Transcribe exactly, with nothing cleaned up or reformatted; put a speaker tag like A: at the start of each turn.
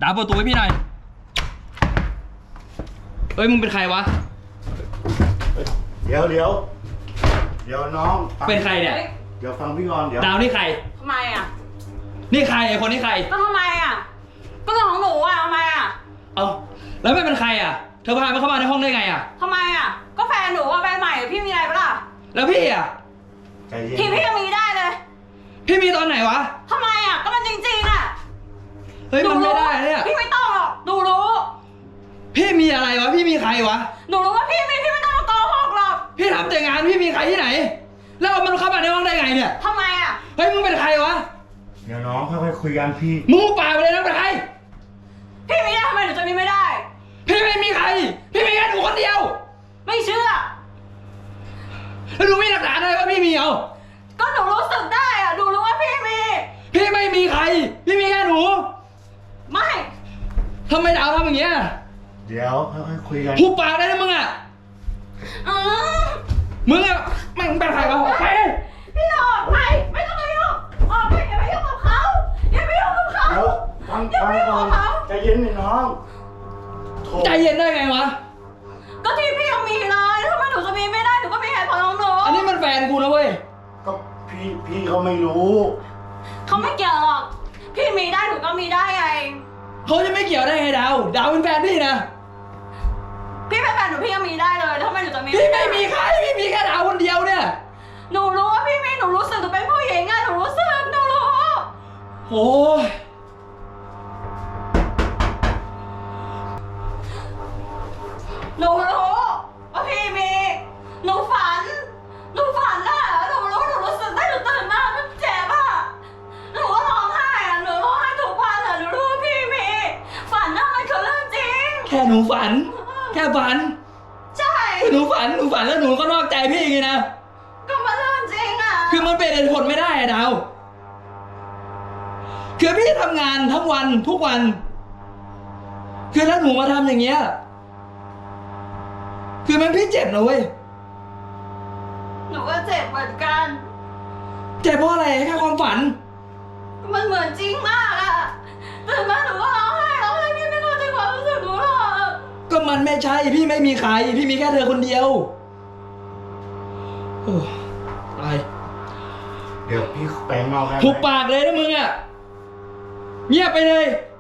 A: ดาวเปิดประตูให้พี่หน่อยเฮ้ยมึงเป็นใครวะ
B: เดี๋ยวเดี๋ยวเดี๋ยวน้อง
A: เป็นใครเนี่ย
B: เดี๋ยวฟังพี่ก่อนเดี๋ยว
A: ดาวนี่ใคร
C: ทำไมอ่ะ
A: นี่ใครไอ้คนนี้ใคร
C: ก็ทำไมอ่ะก็เรื่องของหนูอ่ะทำไมอ่ะ
A: เอาแล้วไม่เป็นใครอ่ะเธอพามันเข้ามาในห้องได้ไงอ่ะ
C: ทำไมอ่ะก็แฟนหนูอ่ะแฟนใหม่พี่มีอะไรปะล่ะ
A: แล้วพี่อ่ะ
B: ใจเย็น
C: พี่พี่ยังมีได้เลย
A: พี่มีตอนไหนวะ
C: ทำไมอ่ะก็มันจริงๆอ่ะ
A: เฮ้ยมันไม่ได้เนี่ย
C: พี่ไม่ต้องหรอกหนูรู้
A: พี่มีอะไรวะพี่มีใครวะ
C: หนูรู้ว่าพี่มีพี่ไม่ต้องมาโกหกหรอก
A: พี่ทำแต่งานพี่มีใครที่ไหนแล้วมันเข้ามาในห้องได้ไงเนี่ย
C: ทำไมอ่ะ
A: เฮ้ยมึงเป็นใครวะ
B: เดี๋ยวน้องค่อยๆคุยกันพี่
A: มึงป่าไปเลยนะเป็นใคร
C: พี่มีได้ทำไมหนูจะมีไม่ได้
A: พี่ไม่มีใครพี่มีแค่หนูคนเดียว
C: ไม่เชื่อ
A: แล้วดูมีหลักฐานอะไรว่าพี่มีเอา
C: ก็หนูรู้สึกได้อ่ะหนูรู้ว่าพี่มี
A: พี่ไม่มีใครพี่มีแค่หนู
C: ไม่
A: ทำไมดาวทำอย่างเงี้ย
B: เดี๋ยวค่อยๆคุยกัน
A: หุบปากได้นะมึงอ่ะมึงอ่ะมึงเป็นใครวะออกไป
C: พี่ออกไปไม่ต้องมายุ่งออกไปอย่าไปยุ่งกับเขาอย่าไปยุ่งกับเขา
B: เดี๋ยวฟังฟังก่อนใจเย็นหน่อยน้อง
A: ใจเย็นได้ไงวะ
C: ก็ที่พี่ยังมีเลยทำไมหนูจะมีไม่ได้หนูก็มีเหตุผลของหนู
A: อันนี้มันแฟนกูนะเว้ย
B: ก็พี่พี่เขาไม่รู้
C: เขาไม่เกี่ยวหรอกพี่มีได้หนูก็มีได้ไง
A: เขาจะไม่เกี่ยวได้ไงดาวดาวเป็นแฟนพี่นะ
C: พี่เป็นแฟนหนูพี่ยังมีได้เลยทำไมหนูจะมี
A: พี่ไม่มีใครพี่มีแค่ดาวคนเดียวเนี่ย
C: หนูรู้ว่าพี่มีหนูรู้สึกหนูเป็นผู้หญิงไงหนูรู้สึกหนูรู้
A: โอ้ย
C: หนูรู้ว่าพี่มีหนูฝันหนูฝันน่ะหนูรู้หนูรู้สึกได้หนูตื่นมาหนูเจ็บอ่ะหนูก็ร้องไห้อ่ะหนูร้องไห้ทุกวันอ่ะหนูรู้ว่าพี่มีฝันน่ะมันคือเรื่องจริง
A: แค่หนูฝันแค่ฝัน
C: ใช่
A: หนูฝันหนูฝันแล้วหนูก็นอกใจพี่ไงนะ
C: ก็มันเรื่องจริงอ่ะ
A: คือมันเป็นเหตุผลไม่ได้อะดาวคือพี่ทำงานทั้งวันทุกวันคือถ้าหนูมาทำอย่างเงี้ยคือมันพี่เจ็บนะเว้ย
C: หนูก็เจ็บเหมือนกัน
A: เจ็บเพราะอะไรแค่ความฝัน
C: มันเหมือนจริงมากอะตื่นมาหนูก็ร้องไห้ร้องไห้พี่ไม่เข้าใจความรู้สึกหนูหรอก
A: ก็มันไม่ใช่พี่ไม่มีใครพี่มีแค่เธอคนเดียวโอ้ตาย
B: เดี๋ยวพี่แปลงนอกได้
A: หุบปากเลยนะมึงอะเงียบไปเลย